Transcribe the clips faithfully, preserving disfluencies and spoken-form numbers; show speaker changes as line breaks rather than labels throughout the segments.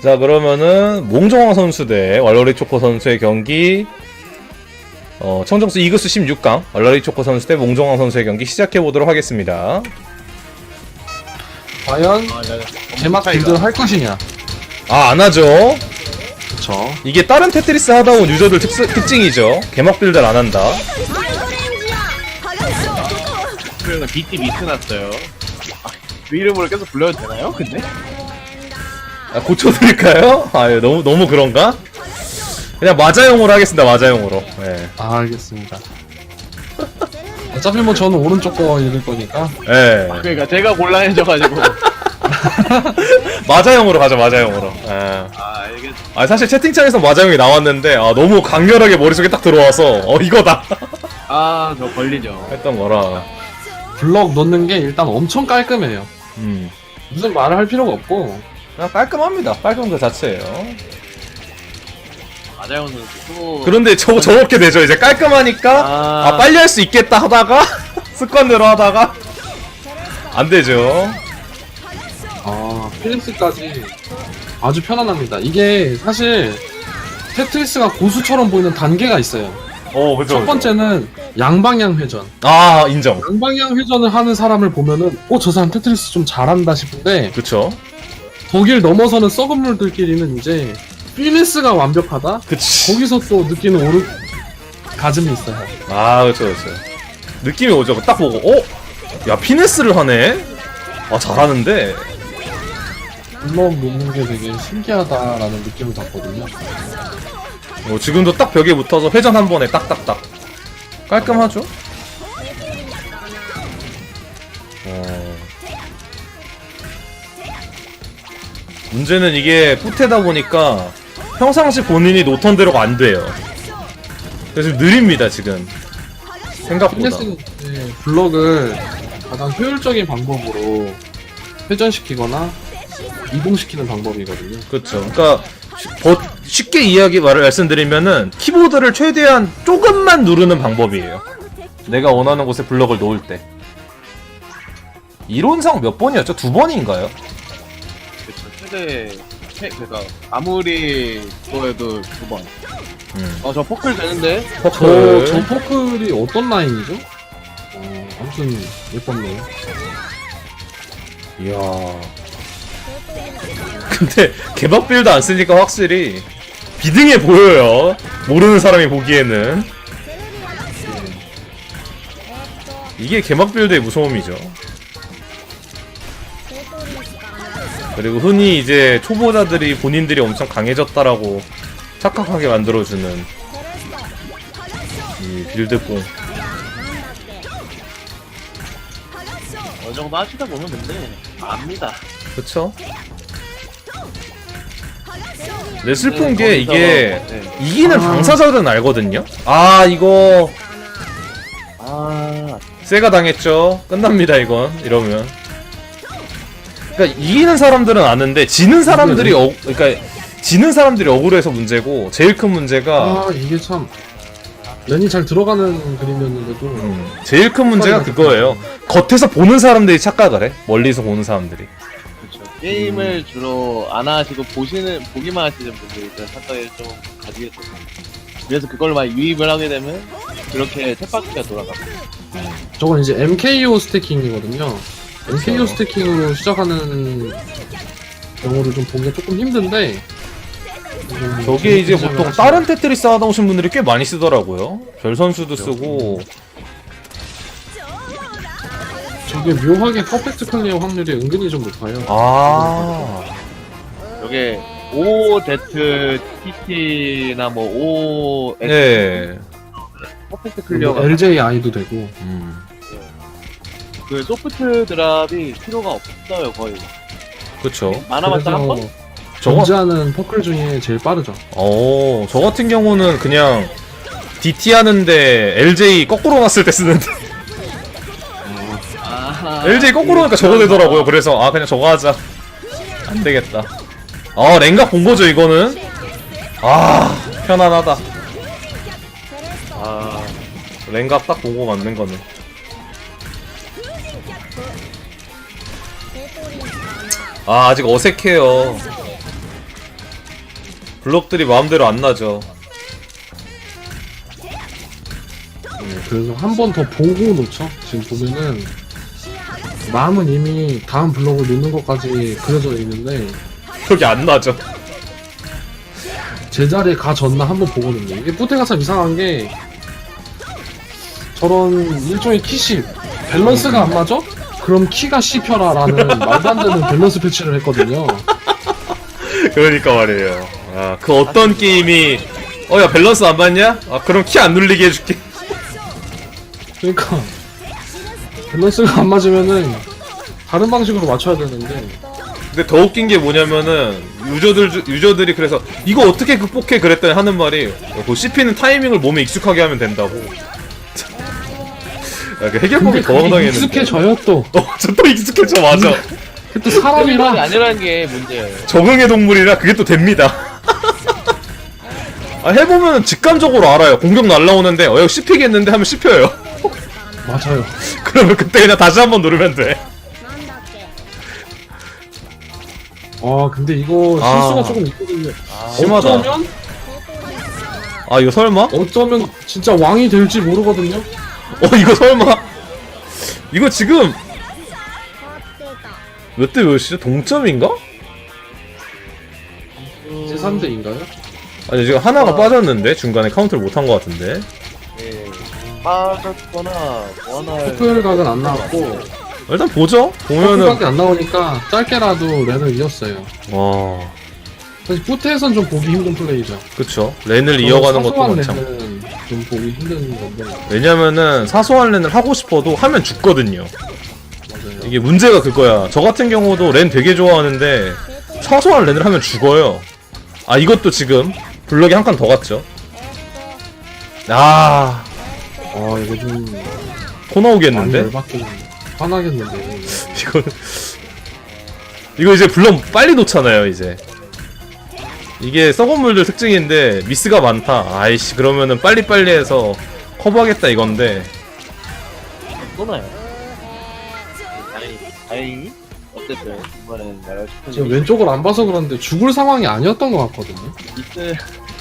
자, 그러면은 몽종황 선수 대 왈러리 초코 선수의 경기, 어, 청정수 이그스 십육 강 왈러리 초코 선수 대 몽종황 선수의 경기 시작해보도록 하겠습니다.
과연 개막 빌드를 할 것이냐.
아, 안하죠.
그쵸.
이게 다른 테트리스 하다 온 유저들 특, 특징이죠. 개막 빌드를 안한다.
그래서 비티 미스 났어요. 아, 그 이름으로 계속 불러도 되나요? 근데?
아, 고쳐드릴까요? 아, 예, 너무 너무 그런가? 그냥 마자용으로 하겠습니다. 마자용으로. 예.
아, 알겠습니다. 어차피 뭐 저는 오른쪽 거 읽을 거니까.
예.
그러니까 제가 곤란해져가지고.
마자용으로 가자. 마자용으로. 예.
아, 알겠.
아, 사실 채팅창에서 마자용이 나왔는데 아, 너무 강렬하게 머릿속에 딱 들어와서 어, 이거다
아, 저 걸리죠.
했던 거라.
블럭 넣는 게 일단 엄청 깔끔해요.
음.
무슨 말을 할 필요가 없고.
그냥 깔끔합니다. 깔끔 그 자체예요.
마자요는 또.
그런데 저 저렇게 되죠. 이제 깔끔하니까
아,
아, 빨리 할 수 있겠다 하다가 습관대로 하다가 안 되죠.
아, 필립스까지 아주 편안합니다. 이게 사실 테트리스가 고수처럼 보이는 단계가 있어요.
어, 그죠.
첫 번째는 양방향 회전.
아, 인정.
양방향 회전을 하는 사람을 보면은 어, 저 사람 테트리스 좀 잘한다 싶은데
그쵸.
거길 넘어서는 썩은 물들끼리는 이제 필리스가 완벽하다?
그치.
거기서 또 느끼는 오르 가즘이 있어요.
아, 그쵸, 그쵸. 느낌이 오죠. 딱 보고, 어? 야, 피네스를 하네? 아, 잘하는데?
블럭 놓는 게 되게 신기하다라는 느낌을 받거든요.
어, 지금도 딱 벽에 붙어서 회전 한 번에 딱딱딱. 깔끔하죠? 어. 문제는 이게 뿌테다 보니까 평상시 본인이 놓던 대로가 안 돼요. 그래서 좀 느립니다, 지금. 생각보다.
필리스는 이제 블럭을 가장 효율적인 방법으로 회전시키거나 이동시키는 방법이거든요.
그렇죠. 그러니까 쉬- 버- 쉽게 이야기 말을 말씀드리면은 키보드를 최대한 조금만 누르는 방법이에요. 내가 원하는 곳에 블럭을 놓을 때. 이론상 몇 번이었죠? 두 번인가요?
그쵸. 최대, 최, 그니까, 아무리 그거에도 두 번.
음.
어, 저 포클 되는데?
저,
퍼클.
저 포클이 어떤 라인이죠? 어, 아무튼 예뻤네요.
이야. 근데 개박 빌드 안 쓰니까 확실히 비등해 보여요. 모르는 사람이 보기에는. 이게 개막 빌드의 무서움이죠. 그리고 흔히 이제 초보자들이 본인들이 엄청 강해졌다라고 착각하게 만들어주는 이 빌드뽕.
어느 정도 하시다 보면 근데, 압니다.
그쵸? 근데 슬픈 게 이게
네.
이기는
아.
당사자들은 알거든요? 아, 이거
아,
세가 당했죠. 끝납니다, 이건. 이러면. 그러니까 이기는 사람들은 아는데 지는 사람들이 어, 그러니까 지는 사람들이 억울해서 문제고, 제일 큰 문제가
아, 이게 참 면이 잘 들어가는 그림이었는데도
음, 제일 큰 문제가 그거예요. 겉에서 보는 사람들이 착각을 해. 멀리서 보는 사람들이.
그쵸. 게임을 주로 안 하시고 보시는, 보기만 하시는 분들이 그 착각을 좀 가지겠죠. 그래서 그걸 막 유입을 하게 되면, 그렇게 탭바퀴가 돌아가고.
저건 이제 엠케이오 스태킹이거든요. 엠케이오
그렇죠.
스태킹으로 시작하는 경우를 좀 보기가 조금 힘든데 음,
저게 이제
재밌게
보통
생각하시면-
다른 테트리스 하다 오신 분들이 꽤 많이 쓰더라고요. 별 선수도 쓰고.
저게 묘하게 퍼펙트 클리어 확률이 은근히 좀 높아요.
아.
요게 오제트티티나 뭐 O
네.
퍼펙트
뭐
클리어가
엘제이아이도 되고
음.
그 소프트 드랍이 필요가 없어요 거의.
그쵸.
많아봤자 한 번?
그래서
저거,
존재하는 퍼클 중에 제일 빠르죠.
어, 저 같은 경우는 그냥 디티 하는데 엘제이 거꾸로 놨을 때 쓰는데
아,
엘제이 거꾸로 하니까 저거 되더라고요. 그래서 아, 그냥 저거 하자. 안 되겠다. 아, 랭각 본 거죠, 이거는? 아, 편안하다.
아,
랭각 딱 보고 만든 거네. 아, 아직 어색해요. 블록들이 마음대로 안 나죠.
그래서 한 번 더 보고 놓죠. 지금 보면은 마음은 이미 다음 블록을 놓는 것까지 그려져 있는데
그게 안 나죠.
제자리에 가졌나 한번 보거든요. 이게 뿌테가 참 이상한 게 저런 일종의 키십 밸런스가 안 맞아? 그럼 키가 씹혀라라는 말도 안 되는 밸런스 패치를 했거든요.
그러니까 말이에요. 아, 그 어떤 게임이 어 야 밸런스 안 맞냐? 아 그럼 키 안 눌리게 해줄게.
그러니까 밸런스가 안 맞으면은 다른 방식으로 맞춰야 되는데
근데 더 웃긴 게 뭐냐면은 유저들 주- 유저들이 그래서 이거 어떻게 극복해 그랬더니 하는 말이 어, 그 씹히는 타이밍을 몸에 익숙하게 하면 된다고. 야, 그 해결법이 더
그게
황당했는데.
익숙해져요 또.
어, 저 또 익숙해져 맞아.
또
사람이
사람이라
아니라는 게 문제예요.
적응의 동물이라 그게 또 됩니다. 아, 해보면 직감적으로 알아요. 공격 날라오는데 어 이거 씹히겠는데 하면 씹혀요.
맞아요.
그러면 그때 그냥 다시 한번 누르면 돼.
아 근데 이거
아.
실수가 조금 있거든요.
심하다.
어쩌면
아 이거 설마?
어쩌면 진짜 왕이 될지 모르거든요.
어 이거 설마? 이거 지금 몇 대 몇이죠? 동점인가?
제삼 대인가요?
아니 지금 하나가
아.
빠졌는데 중간에 카운트를 못한 것 같은데.
예. 빠졌거나 뭐하나
토요일 각은 안 나왔고
일단 보죠. 보면은
토요일밖에 안 나오니까 짧게라도 렌을 이었어요.
와
사실 후퇴에선 좀 보기 힘든 플레이죠.
그쵸. 렌을 이어가는 것도
사소한
많참.
렌은 좀 보기 힘든 건데
왜냐면은 사소한 렌을 하고 싶어도 하면 죽거든요.
맞아요.
이게 문제가 그거야. 저 같은 경우도 렌 되게 좋아하는데 사소한 렌을 하면 죽어요. 아 이것도 지금 블럭이 한 칸 더 갔죠. 아,
아 이거 좀
코
많이
나오겠는데?
열받긴 화나겠는데.
이거 이거 이제 블럭 빨리 놓잖아요 이제. 이게 썩은 물들 특징인데 미스가 많다. 아이씨 그러면은 빨리빨리 해서 커버하겠다 이건데.
쏘나요? 다행히 다행히 어쨌든 이번에는 나라
지금
슈퍼
왼쪽을 안 봐서 그런데 죽을 상황이 아니었던 것 같거든요.
미스.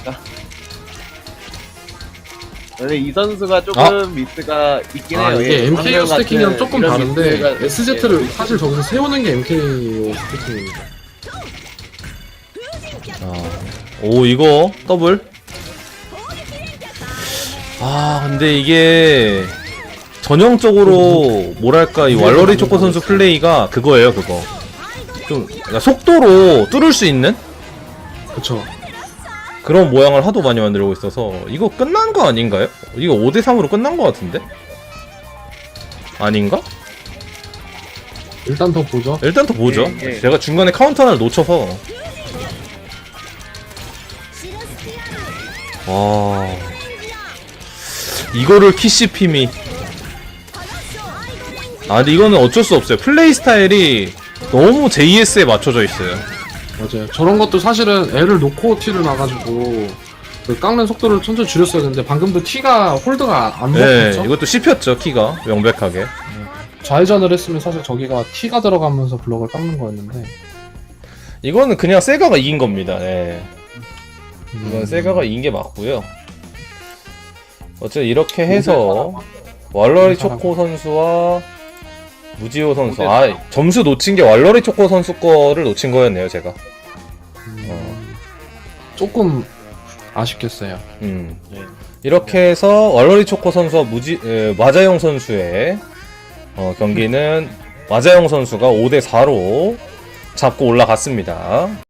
원래 이 선수가 조금 미스가 있긴
아
해요.
이게
예,
엠케이오
방금
스태킹이랑
같은
조금
이런
다른데
미스가-
에스제트를
예.
사실 저기서 세우는 게 엠케이오 스태킹입니다.
아, 오 이거 더블. 아 근데 이게 전형적으로 뭐랄까 이 왈러리 초코 선수 플레이가 그거예요 그거. 좀 그러니까 속도로 뚫을 수 있는
그쵸.
그런 모양을 하도 많이 만들고 있어서 이거 끝난 거 아닌가요? 이거 오 대 삼으로 끝난 거 같은데? 아닌가?
일단 더 보죠.
일단 더 보죠.
예, 예.
제가 중간에 카운터 하나를 놓쳐서. 와. 이거를 키씨핌이. 아, 근데 이거는 어쩔 수 없어요. 플레이 스타일이 너무 제이에스에 맞춰져 있어요.
맞아요. 저런 것도 사실은 L을 놓고 T를 놔가지고 그 깎는 속도를 천천히 줄였어야 되는데 방금도 T가 홀드가 안
네,
먹혔죠.
이것도 씹혔죠, 키가. 명백하게.
좌회전을 했으면 사실 저기가 T가 들어가면서 블럭을 깎는 거였는데
이거는 그냥 세가가 이긴 겁니다. 예. 이건
음.
세가가 이긴 게 맞고요. 어쨌든 이렇게 해서 왈러리 초코 선수와 무지호 선수. 아, 점수 놓친 게 왈러리 초코 선수 거를 놓친 거였네요, 제가.
음, 조금 아쉽겠어요.
음.
네.
이렇게 해서 왈러리 초코 선수와 무지 에, 마자용 선수의 어, 경기는 마자용 선수가 오 대 사로 잡고 올라갔습니다.